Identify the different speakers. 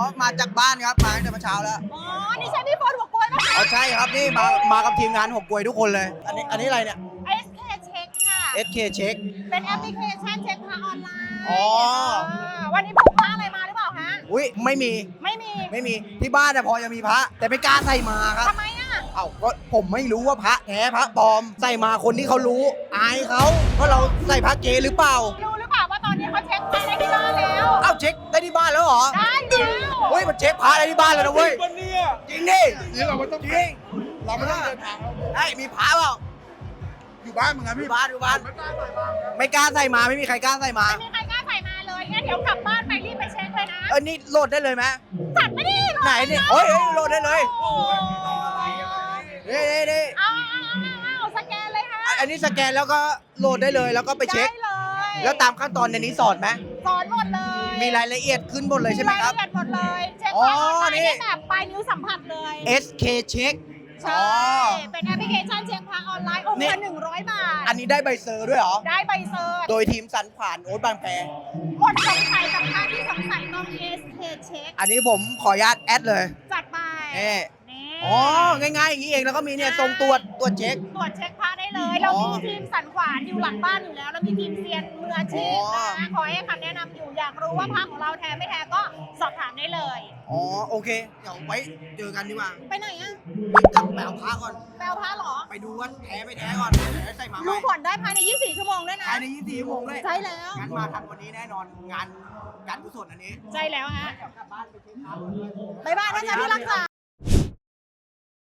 Speaker 1: มาจากบ้านครับ มาตั้งแต่เมื่อเช้าแล้ว
Speaker 2: อ๋อ นี่ใช่พี่โฟนหัวกล้วยไหมคะ
Speaker 1: อ๋อใช่ครับนี่มากับทีมงานหกกลวยทุกคนเลย อันนี้อะไรเนี่ย
Speaker 2: SK Check ค่ะ
Speaker 1: SK Check
Speaker 2: เป็นแอปพลิเคชันเช็คพระออนไลน์
Speaker 1: อ๋อ
Speaker 2: วันนี้พกพระอะไรมาหรือเปล่าฮะ
Speaker 1: อุ้ยไม่มี
Speaker 2: ไม่มี
Speaker 1: ที่บ้านพอจะมีพระ แต่ไม่กล้าใส่มาครับ
Speaker 2: ทำไมอ่ะ
Speaker 1: เอ้าก็ผมไม่รู้ว่าพระแท้พระปลอม ใส่มาคนที่เขารู้อายเขาเพราะเราใส่พระเกหรือเปล่า
Speaker 2: รู้หรือเปล่าว่าตอนนี้เขาเช็คพระได้ที่บ้านแล้ว
Speaker 1: เอ้าเช็คได้ที่บ้านแล้วเหรอ
Speaker 2: ได้แล้ว
Speaker 1: เฮ้ยมันเช็คพระได้ที่บ้านแล้วนะเว้ย
Speaker 3: วันนี้อ่ะ
Speaker 1: จริงดิ
Speaker 3: นี่เราไม่ต้อง
Speaker 1: จริง
Speaker 3: เราไม่ต้องเดินทางแล้ว
Speaker 1: ไอ้มีพระเปล่า
Speaker 3: อยู่บ้านเหมือนกัน
Speaker 1: อ
Speaker 3: พี่
Speaker 1: ยู่บ้านอยู่บ้าน
Speaker 3: ไม่กล้าใส่บ้างครับ
Speaker 1: ไม่กล้าใส่มาไม่มีใครกล้าใส่มา
Speaker 2: ไม่มีใครกล้าใส่มาเลย งั้นเดี๋ยวกลับบ้านไปรีบไปเช็คเลยนะ
Speaker 1: นี่โหลดได้เลยไหม
Speaker 2: จัดไม่ได้หรอ
Speaker 1: ไหนเนี่ยโอ้ยโหลดได้เลย
Speaker 2: โอ้
Speaker 1: นี่
Speaker 2: เอาสแกนเลยค่ะ
Speaker 1: อันนี้สแกนแล้วก็โหลดได้เลยแล้วก็ไปเช็ค
Speaker 2: ได้เลย
Speaker 1: แล้วตามขั้นตอนในนี้สอนไหม
Speaker 2: สอนหมดเลย
Speaker 1: มีรายละเอียดขึ้นหมดเลยใช่ไหมครับ
Speaker 2: มีายละเอียดหมดเลย เช็ค
Speaker 1: อ๋อ
Speaker 2: พระออนไลน์
Speaker 1: นี่
Speaker 2: ได้แบบปลายนิ้วสัมผัสเลย
Speaker 1: SK Check
Speaker 2: ใช่ เป็นแอปพลิเคชันเช็คพระออนไลน์องค์
Speaker 1: นี่
Speaker 2: ละ100 บาท
Speaker 1: อันนี้ได้ใบเซอร์ด้วยเหรอ
Speaker 2: ได้ใบเซอร์
Speaker 1: โดยทีมสันขวานโอ๊ตบางแพ
Speaker 2: หมดสงสัยกับพระที่สงสัยต้อง SK เช็ค
Speaker 1: อันนี้ผมขออนุญาตแอดเลย
Speaker 2: จัดไป
Speaker 1: เอ๊ะ
Speaker 2: นี่
Speaker 1: อ๋อ ง่ายๆอย่างนี้เองแล้วก็มีเนี่ยทรงตรวจเช็ค
Speaker 2: ตรวจเช็คพระได้เลย เรามีทีมสันขวานอยู่หลังบ้านอยู่แล้ว แล้วมีทีมเซียนมืออาชีพ
Speaker 1: อ๋อ
Speaker 2: นะคอยให้คำแนะนำอยู่ อยากรู้ว่าพระของเราแท้ไม่แท้ก็สอบถามได้เลย
Speaker 1: อ๋อโอเค เดี๋ยวไว้เจอกันดีกว่า
Speaker 2: ไปไหนอะ
Speaker 1: รีบกลับไปเอาพระก่อน
Speaker 2: แปลพระเหรอ
Speaker 1: ไปดูว่าแท้ไม่แท้ก่อนเดี๋ยวใส่มาให
Speaker 2: ดู
Speaker 1: ม่
Speaker 2: ผลได้ภายใน 24 ชั่วโมงด้วยนะ
Speaker 1: ภายใน24ชั่วโมงเลย
Speaker 2: ใช่แล้ว
Speaker 1: งั้นมาทันวันนี้แน่นอนงานการกุศลอันนี้
Speaker 2: ใช่แล้วฮะ
Speaker 1: เดี๋ยวกลับบ้านไปเช็คพระ
Speaker 2: บ๊ายบายนะจ๊ะที่รักษา